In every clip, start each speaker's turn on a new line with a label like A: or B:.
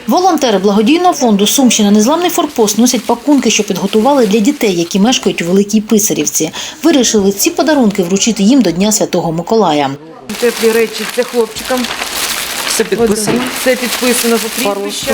A: Волонтери благодійного фонду «Сумщина. Незламний форпост» носять пакунки, що підготували для дітей, які мешкають у Великій Писарівці. Вирішили ці подарунки вручити їм до Дня Святого Миколая.
B: Теплі речі – це хлопчикам.
C: Все підписано.
B: Все підписано за прізвищем.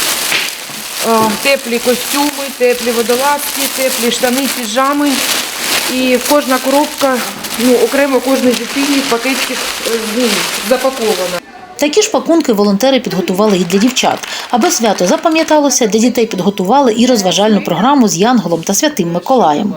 B: Теплі костюми, теплі водолазки, теплі штани, піжами. І кожна коробка, окремо кожній дитині в пакетиках запакована.
A: Такі ж пакунки волонтери підготували і для дівчат. Аби свято запам'яталося, для дітей підготували і розважальну програму з Янголом та Святим Миколаєм.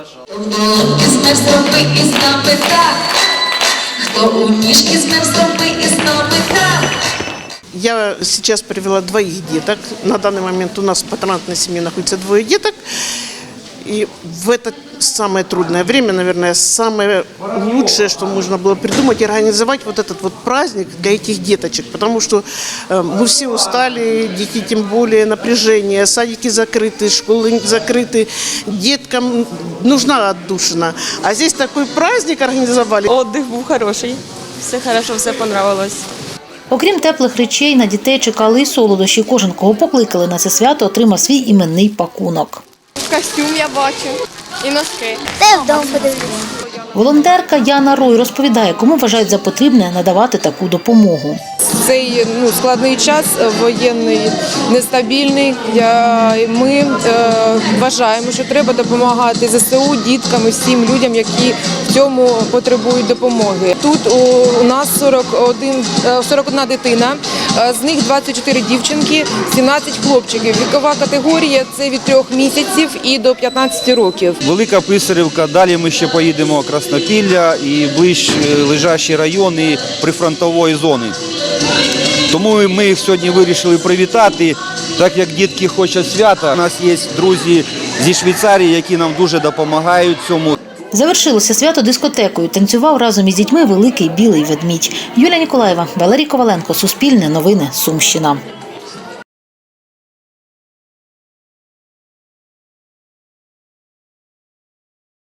D: Я сейчас привела двоих деток. На данный момент у нас в патронатной семье находится двое деток. И в это самое трудное время, наверное, самое лучшее, что можно было придумать, организовать вот этот вот праздник для этих деточек. Потому что мы все устали, дети тем более напряжение, садики закрыты, школы закрыты. Деткам нужна отдушина. А здесь такой праздник организовали.
C: Отдих був хороший, все хорошо, все понравилось.
A: Окрім теплих речей, на дітей чекали і солодощі. Кожен, кого покликали на це свято, отримав свій іменний пакунок.
E: Костюм я бачу і носки.
F: Та вдома подивлюся.
A: Волонтерка Яна Рой розповідає, кому вважають за потрібне надавати таку допомогу.
B: Цей складний час, воєнний, нестабільний. Ми вважаємо, що треба допомагати ЗСУ, діткам і всім людям, які в цьому потребують допомоги. Тут у нас 41 дитина, з них 24 дівчинки, 17 хлопчиків. Вікова категорія – це від 3 місяців і до 15 років.
G: Велика Писарівка, далі ми ще поїдемо Краснопілля і ближче лежачі райони прифронтової зони. Тому ми їх сьогодні вирішили привітати, так як дітки хочуть свята. У нас є друзі зі Швейцарії, які нам дуже допомагають цьому.
A: Завершилося свято дискотекою. Танцював разом із дітьми великий білий ведмідь. Юлія Ніколаєва, Валерій Коваленко, Суспільне новини, Сумщина.